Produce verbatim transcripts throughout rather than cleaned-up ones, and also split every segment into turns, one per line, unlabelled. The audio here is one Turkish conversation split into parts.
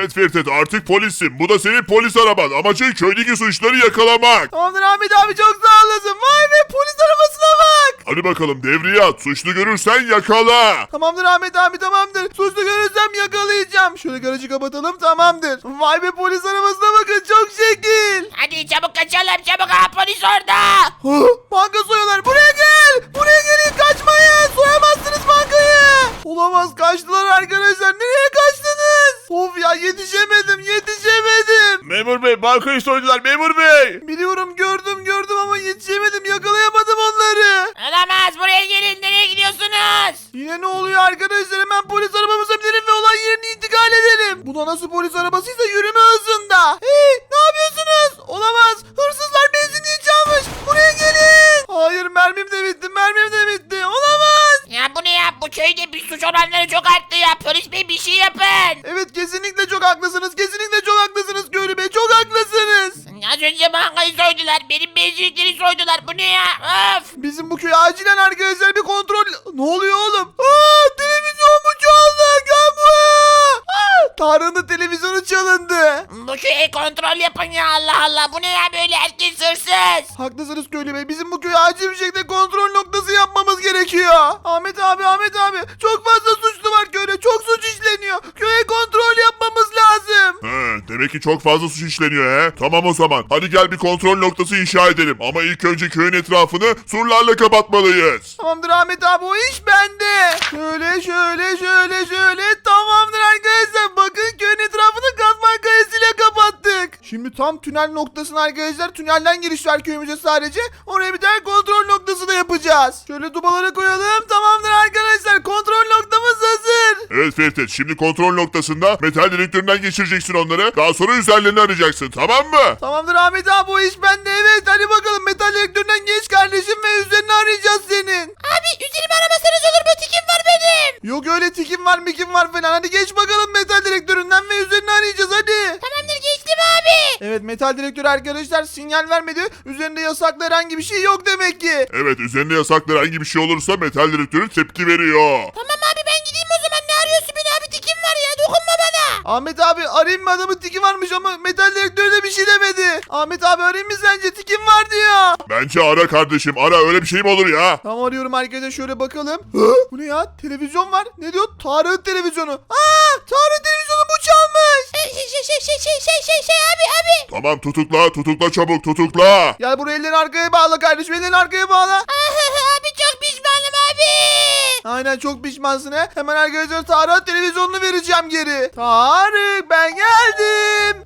Evet Firtet, artık polissin. Bu da senin polis araban. Amacın köydeki suçları yakalamak.
Tamamdır Ahmet abi, çok sağ olasın. Vay be, polis arabasına bak.
Hadi bakalım devriye at. Suçlu görürsen yakala.
Tamamdır Ahmet abi, tamamdır. Suçlu görürsem yakalayacağım. Şöyle garajı kapatalım, tamamdır. Vay be, polis arabasına bakın, çok şekil.
Hadi çabuk kaçalım çabuk, ha polis orada.
Hı, banka soyuyorlar. Buraya gel. Buraya gelin, kaçmayın. Soyamazsınız bankayı. Olamaz, kaçtılar arkadaşlar. Nereye kaçtınız? Of ya, yetişemedim yetişemedim.
Memur bey, bankayı soydular memur bey.
Biliyorum, gördüm gördüm ama yetişemedim, yakalayamadım onları.
Olamaz, buraya gelin, nereye gidiyorsunuz?
Yine ne oluyor arkadaşlar? Hemen polis arabamıza binelim ve olay yerini intikal edelim. Bu da nasıl polis arabasıysa yürüme hızında. Hey, ne yapıyorsunuz? Olamaz. Hırsızlar benzinliği çalmış. Buraya gelin. Hayır, mermim de bitti. Mermim de bitti. Olamaz.
Ya bu ne ya, bu köyde bir suç oranları çok arttı ya, polis bey bir şey yapın.
Evet, kesinlikle çok haklısınız. Kesinlikle çok haklısınız Köylü Bey. Çok haklısınız.
Az önce bankayı soydular, benim benzinlikleri soydular, bu ne ya, öf.
Bizim bu köye acilen arkadaşlar bir kontrol... Ne oluyor oğlum? Aa, televizyon mu çaldı? Gel buraya. Aa, Tarık'ın da televizyonu çalındı.
Bu köyü kontrol yapın ya, Allah Allah, bu ne ya böyle, herkes hırsız.
Haklısınız Köylü Bey. Bizim bu köye acil bir şekilde kontrol noktası yapmamız gerekiyor. Ahmet abi, Ahmet abi. Çok fazla suçlu var köyde. Çok suç işleniyor. Köye kontrol yapmamız lazım.
He, demek ki çok fazla suç işleniyor he. Tamam o zaman. Hadi gel bir kontrol noktası inşa edelim. Ama ilk önce köyün etrafını surlarla kapatmalıyız.
Tamamdır Ahmet abi, o iş bende. Şöyle şöyle şöyle şöyle. Tamamdır arkadaşlar. Bakın, köyün etrafını kazma kayasıyla kapattık. Şimdi tam tünel noktasına arkadaşlar. Tünelden giriş var köyümüze sadece. Oraya bir tane kontrol noktası da yapacağız. Şöyle dubaları koyalım. Tamamdır arkadaşlar. Kontrol noktamız hazır.
Evet Firtet, şimdi kontrol noktasında metal dedektöründen geçireceksin onları. Daha sonra üzerlerini arayacaksın, tamam mı?
Tamamdır Ahmet abi, o iş bende. Evet, hadi bakalım, metal direktöründen geç kardeşim ve üzerini arayacağız senin.
Abi üzerime aramasanız olur mu, tikim var benim.
Yok öyle tikim var mikim var falan. Hadi geç bakalım metal direktöründen ve üzerini arayacağız hadi.
Tamamdır, geçtim abi.
Evet, metal direktör arkadaşlar sinyal vermedi. Üzerinde yasaklı herhangi bir şey yok demek ki.
Evet, üzerinde yasaklı herhangi bir şey olursa metal dedektörü tepki veriyor.
Tamam abi, ben gideyim o zaman, ne arıyorsun beni abi, tikim var ya, dokunma bana.
Ahmet abi, arayayım mı, adamın tiki varmış ama metal direktör de bir şey demedi. Ahmet abi, arayayım mı sence, tikim var diyor.
Bence ara kardeşim, ara, öyle bir şey mi olur ya?
Tamam, arıyorum arkadaşlar, şöyle bakalım. Hı? Bu ne ya, televizyon var. Ne diyor? Tarık'ın televizyonu. Aa, Tarık'ın televizyonu bu çalmış.
Şey şey şey şey şey şey şey şey şey abi abi.
Tamam, tutukla, tutukla çabuk, tutukla.
Gel buraya, ellerini arkaya bağla kardeşim, ellerini arkaya bağla.
Abi çok pişmanım abi.
Aynen, çok pişmansın he. Hemen arkadaşlar Tarık'a televizyonunu vereceğim geri. Tarık, ben geldim.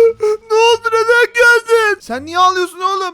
Ne oldu, neden geldin? Sen niye ağlıyorsun oğlum?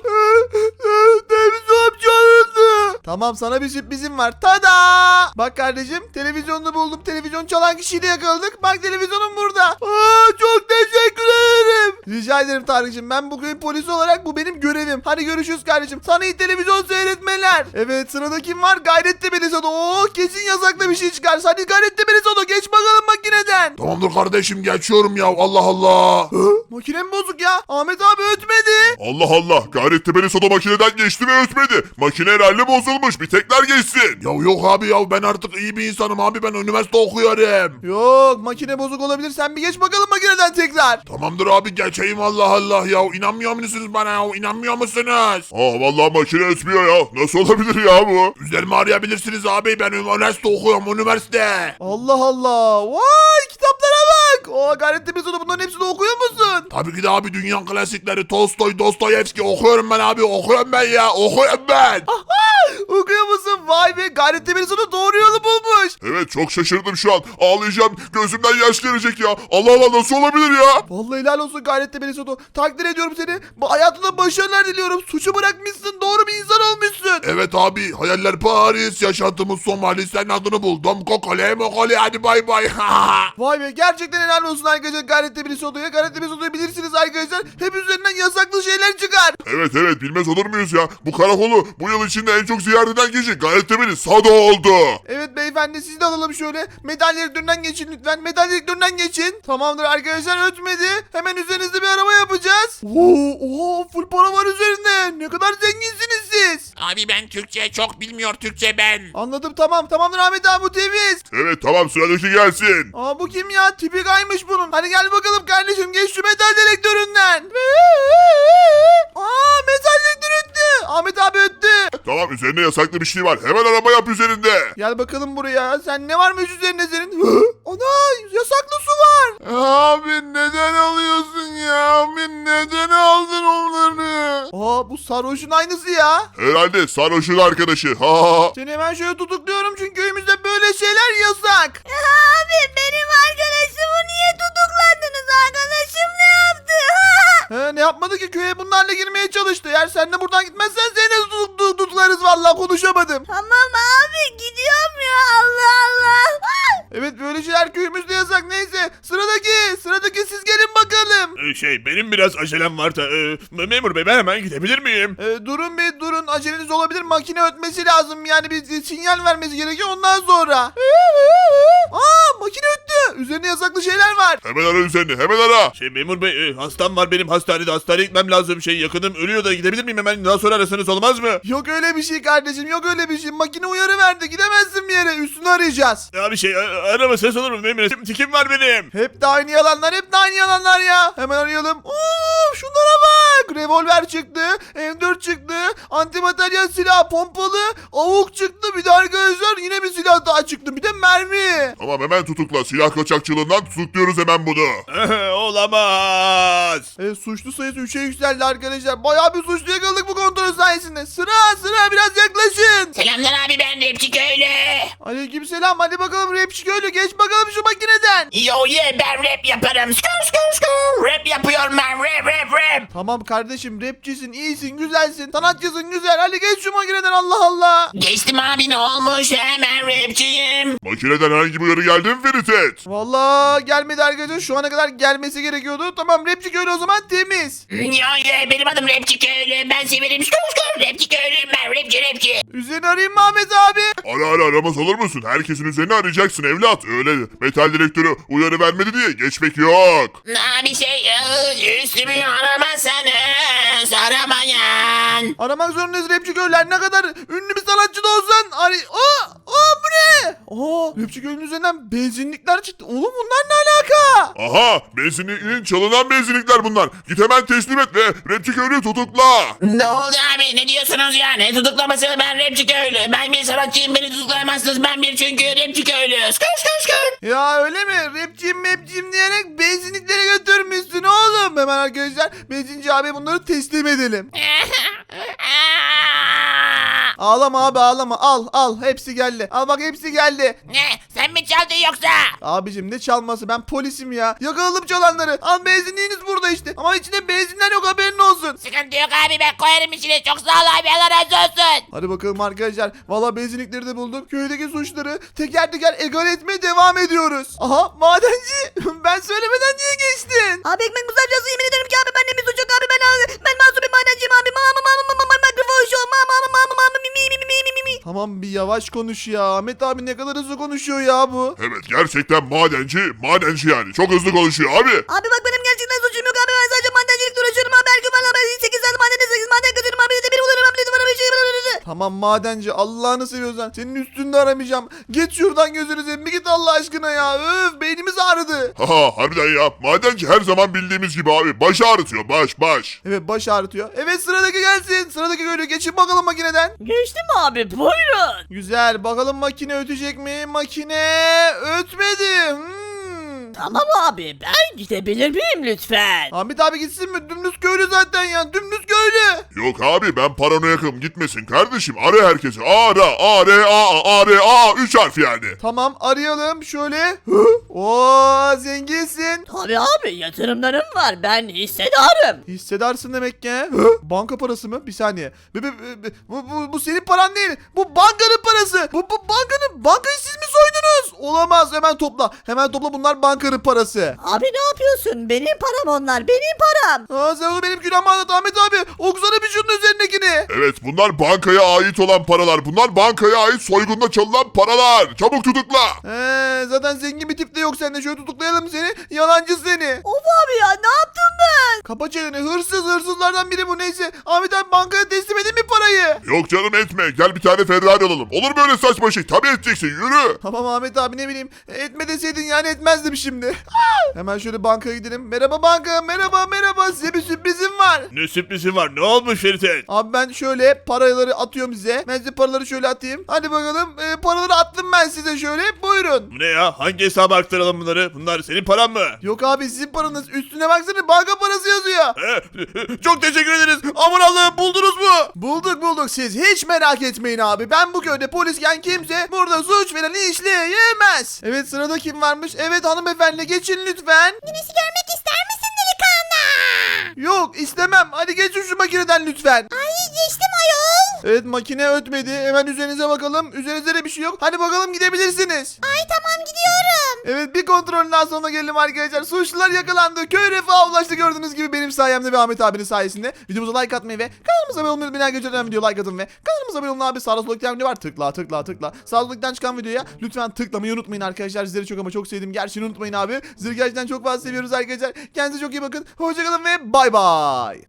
Televizyon çalındı. Tamam, sana bir sürprizim var. Tada! Bak kardeşim, televizyonunu buldum. Televizyon çalan kişiyi de yakaladık. Bak, televizyonum burada. Aa, çok teşekkür ederim. Rica ederim Tarık'cığım. Ben bu köyün polisi olarak bu benim görevim. Hadi görüşürüz kardeşim. Sana iyi televizyon seyretmeler. Evet, sırada kim var? Gayretli Belizodo. Oo, kesin yasaklı bir şey çıkar. Hadi Gayretli Belizodo, geç bakalım makineden.
Tamamdır kardeşim, geçiyorum ya, Allah Allah.
Hı? Makine mi bozuk ya? Ahmet abi ötmedi.
Allah Allah, Gayrettepe'li soda makineden geçti ve ötmedi. Makine herhalde bozulmuş, bir tekrar geçsin. Ya yok abi ya, ben artık iyi bir insanım abi, ben üniversite okuyorum.
Yok, makine bozuk olabilir. Sen bir geç bakalım makineden tekrar.
Tamamdır abi, geçeyim, Allah Allah ya, inanmıyor musunuz bana ya, inanmıyor musunuz? Aa, vallahi makine ötmüyor ya, nasıl olabilir ya bu? Üzerimi arayabilirsiniz abi, ben üniversite okuyorum, üniversite.
Allah Allah. Vay, kitaplara bak. Oo, Gayretli Belizodo, bunların hepsini okuyor musun?
Tabii ki de abi, dünya klasikleri Tolstoy, Dostoyevski okuyorum ben abi, okuyorum ben ya, okuyorum ben.
Okuyor musun? Vay be, Gayretli Belizodo doğru yolu bulmuş.
Evet, çok şaşırdım şu an, ağlayacağım, gözümden yaş gelecek ya, Allah Allah, nasıl olabilir ya?
Vallahi helal olsun Gayretli Belizodo. Takdir ediyorum seni. Bu hayatında başarılar diliyorum. Suçu bırakmışsın. Doğru bir insan olmuşsun.
Evet abi, hayaller Paris, yaşantımız Somali, sen adını buldum, kokole mokole, hadi bay bay.
Vay be, gerçekten helal olsun arkadaşlar Gayretli Belizodo'ya. Gayretli Belizodo'yu bilirsiniz arkadaşlar. Hep üzerinden yasaklı şeyler çıkar.
Evet evet, bilmez olur muyuz ya? Bu karakolu bu yıl içinde en çok ziyaret eden kişi Gayrettepe'li Sado oldu.
Evet beyefendi, siz de alalım şöyle. Metal direktöründen geçin lütfen. Metal direktöründen geçin. Tamamdır arkadaşlar, ötmedi. Hemen üzerinizde kendimize bir araba yapacağız. Oo, oo, full para var üzerinde. Ne kadar zenginsiniz siz.
Abi ben Türkçe çok bilmiyor Türkçe ben.
Anladım, tamam. Tamamdır Ahmet abi, bu temiz.
Evet tamam sıradaki gelsin.
Aa, bu kim ya? Tipi kaymış bunun. Hadi gel bakalım kardeşim. Geç şu metal dedektöründen. Aa, metal dedektör öttü. Ahmet abi öttü.
Tamam üzerinde yasaklı bir şey var. Hemen arama yap üzerinde.
Gel bakalım buraya. Sen ne varmış üzerinde senin? Hı? Ana, yasaklı su var. Abi neden alıyorsun ya? Abi neden aldın onları? Aa, bu sarhoşun aynısı ya.
Herhalde sarhoşun arkadaşı. Ha ha ha.
Seni hemen şöyle tutukluyorum çünkü köyümüzde böyle şeyler yasak.
Abi benim arkadaşımı niye tutukladınız? Arkadaşım ne yaptı?
He, ne yapmadı ki, köye bunlarla girmeye çalıştı. Eğer sen de buradan gitmezsen seni de tutuk- tutuk- tutuklarız, vallahi konuşamadım.
Tamam abi gidiyorum ya, Allah Allah.
Evet, böyle şeyler köyümüzde yasak. Neyse, sıradaki sıradaki siz gelin bakalım.
Ee, şey benim biraz acelem var da e, memur bey ben hemen gidebilir miyim?
Ee, durun bir durun, aceleniz olabilir, makine ötmesi lazım, yani bir sinyal vermesi gerekiyor ondan sonra. Aa, makine öttü, üzerine yasaklı şeyler var.
Hemen ara üzerini hemen ara.
Şey memur bey e, hastam var benim hastanede hastaneye gitmem lazım. Şey yakınım ölüyor da gidebilir miyim hemen daha sonra arasanız olmaz mı?
Yok öyle bir şey kardeşim, yok öyle bir şey, makine uyarı verdi, gidemezsin bir yere, üstünü arayacağız.
Ya bir şey a- arama ses olur mu memur? Tim- Tikim var benim.
Hep de aynı yalanlar, hep de aynı yalanlar ya. Hemen arayalım. Oo, şunlara bak. Revolver çıktı, M dört çıktı, antimateryal silah, pompalı, avuk çıktı. Bir de arkadaşlar yine bir silah daha çıktı. Bir de mermi.
Tamam hemen tutukla. Silah kaçakçılığından tutukluyoruz hemen bunu.
Olamaz.
E, suçlu sayısı üçe yükseldi arkadaşlar. Bayağı bir suçlu yakaladık bu kontrol sayesinde. Sıra sıra, biraz yaklaşın.
Selamlar abi ben Rapçi Köylü.
Aleykümselam. Hadi bakalım rapçi köylü, geç bakalım şu makineden.
Yo yeah ben rap yaparım. Skr skr skr. Rap yapıyorum ben rap rap rap.
Tamam kardeşim, rapçisin, iyisin, güzelsin, sanatçısın, güzel. Hadi geç şu makineden, Allah Allah.
Geçtim abi ne olmuş hemen rapçiyim.
Makineden herhangi bir uyarı geldi mi Feritet?
Vallahi gelmedi arkadaşlar. Şu ana kadar gelmesi gerekiyordu. Tamam, rapçi köylü o zaman temiz.
Yo yeah benim adım Rapçi Köylü. Ben severim skr skr. Rapçi Köylüyüm ben rapçi rapçi.
Üzerine arayayım mı Ahmet abi?
Ara ara aramaz olur musun? Herkesin üzerine arayacaksın evlat. Öyle metal direktörü uyarı vermedi diye geçmek yok.
Abi şey ıı, üstümü aramazsanız aramayın.
Aramak zorundayız rapçi köylüler. Ne kadar ünlü bir sanatçı da olsan aray... Aa! Aa, bu ne? Aa, rapçi köylünün üzerinden benzinlikler çıktı. Oğlum bunlar ne alaka?
Aha benzinliğin çalınan benzinlikler bunlar. Git hemen teslim et ve rapçi köylüyü tutukla.
Ne oldu abi ne diyorsunuz ya? Ne tutuklaması ben Rapçi Köylü. Ben bir sanatçıyım beni tutuklayamazsınız. Ben bir çünkü Rapçi Köylü. Skr skr skr.
Ya öyle mi? Rapçiyim mepçiyim diyerek benzinliklere götürmüşsün oğlum. Hemen arkadaşlar benzinci abi bunları teslim edelim. Ağlama abi, ağlama. Al al, hepsi geldi. Al bak, hepsi geldi.
Ne? Sen mi çaldın yoksa?
Abicim ne çalması, ben polisim ya. Yakaladım çalanları. Al, benzinliğiniz burada işte. Ama içinde benzinler yok, haberin olsun.
Sıkıntı yok abi ben koyarım içine. Çok sağ ol abi Allah razı olsun.
Hadi bakalım arkadaşlar. Valla benzinlikleri de bulduk. Köydeki suçları teker teker egal etmeye devam ediyoruz. Aha, madenci. Ben söylemeden niye geçtin?
Abi ekmek uzatacağız, yemin ederim ki abi ben de bir suç yok abi, ben ben masum bir madenciyim abi. Mama mama mama mama mikrofon show mama mama mama mama mi mi mi mi mi mi mi.
Tamam, bir yavaş konuş ya. Ahmet abi ne kadar hızlı konuşuyor ya bu.
Evet gerçekten madenci madenci yani. Çok hızlı konuşuyor abi.
Abi bak benim gerçekten suçum yok abi, ben sadece madencilikle uğraşıyorum abi. Her gün bana ben sekiz saat madende sekiz maden kaçıyorum abi. Bir de bir bulurum abi, bana bir şey
Tamam madenci, Allah'ını seviyorsan senin üstünde aramayacağım. Geç şuradan, gözünü seveyim, bir git Allah aşkına ya. Öf, beynimiz ağrıdı.
Haha harbiden ya. Madenci her zaman bildiğimiz gibi abi. Baş ağrıtıyor baş baş.
Evet, baş ağrıtıyor. Evet, sıradaki gelsin. Sıradaki köylü, geçin bakalım makineden.
Geçtim abi buyurun.
Güzel, bakalım makine ötecek mi? Makine ötmedi. Hmm.
Tamam abi ben gidebilir miyim lütfen?
Ahmet abi gitsin mi? Dümdüz köylü zaten ya. Dümdüz köylü.
Yok abi ben paranoyakım gitmesin kardeşim. Ara herkesi. Ara A R A A R A üç harf yani.
Tamam, arayalım şöyle. Hı? Oo, zenginsin.
Tabii abi yatırımlarım var ben hissedarım.
Hissedarsın demek ki. Hı? Banka parası mı? Bir saniye. Bu, bu, bu, bu, bu, bu senin paran değil. Bu bankanın parası. Bu, bu bankanın, bankayı siz mi soydunuz? Olamaz, hemen topla. Hemen topla, bunlar bankanın parası.
Abi ne yapıyorsun? Benim param onlar benim param.
Aa, sen onu benim günahımı anlat Ahmet abi. Okusana bir şunun üzerindekini.
Evet bunlar bankaya ait olan paralar. Bunlar bankaya ait soygunda çalınan paralar. Çabuk tutukla.
Ee, zaten zengin bir tip de yok sende. Şöyle tutuklayalım seni. Yalancı seni.
Of abi ya, ne yaptım ben?
çeneni. Hırsız hırsızlardan biri bu. Neyse Ahmet abi bankaya teslim edin mi parayı?
Yok canım etme. Gel bir tane Ferrari alalım. Olur böyle saçma şey. Tabii edeceksin. Yürü.
Tamam Ahmet abi ne bileyim. Etme deseydin yani etmezdim şimdi. Hemen şöyle bankaya gidelim. Merhaba banka. Merhaba merhaba. Size bir sürprizim var.
Ne sürprizi var? Ne olmuş Ferit?
Abi ben şöyle paraları atıyorum size. Ben size paraları şöyle atayım. Hadi bakalım. Ee, paraları attım ben size şöyle. Buyurun.
Bu ne ya? Hangi hesaba aktaralım bunları? Bunlar senin paran mı?
Yok abi sizin paranız. Üstüne baksana banka parası yazıyor.
He, çok teşekkür ederiz. Aman Allah'ım buldunuz mu?
Bulduk bulduk siz hiç merak etmeyin abi. Ben bu köyde polisken kimse burada suç falan işleyemez. Evet sırada kim varmış? Evet hanımefendi geçin lütfen.
Güneşi görmek ister misin delikanlı?
Yok istemem. Hadi geçin şu makineden lütfen.
Ay geçtim ayol.
Evet makine ötmedi. Hemen üzerinize bakalım. Üzerinizde de bir şey yok. Hadi bakalım gidebilirsiniz.
Ay tamam gidiyorum.
Evet bir kontrolden sonra gelelim arkadaşlar. Suçlular yakalandı. Köy refaha ulaştı gördüğünüz gibi benim sayemde ve Ahmet abinin sayesinde. Videomuza like atmayı ve kanalımıza abone olmayı unutmayın arkadaşlar. Video like atın ve kanalımıza abone olun abi. Sağda solda iki tane video var. Tıkla tıkla tıkla. Sağda solda çıkan videoya lütfen tıklamayı unutmayın arkadaşlar. Sizleri çok ama çok sevdim. Gerçeğini unutmayın abi. Sizleri gerçekten çok fazla seviyoruz arkadaşlar. Kendinize çok iyi bakın. Hoşçakalın ve bay bay.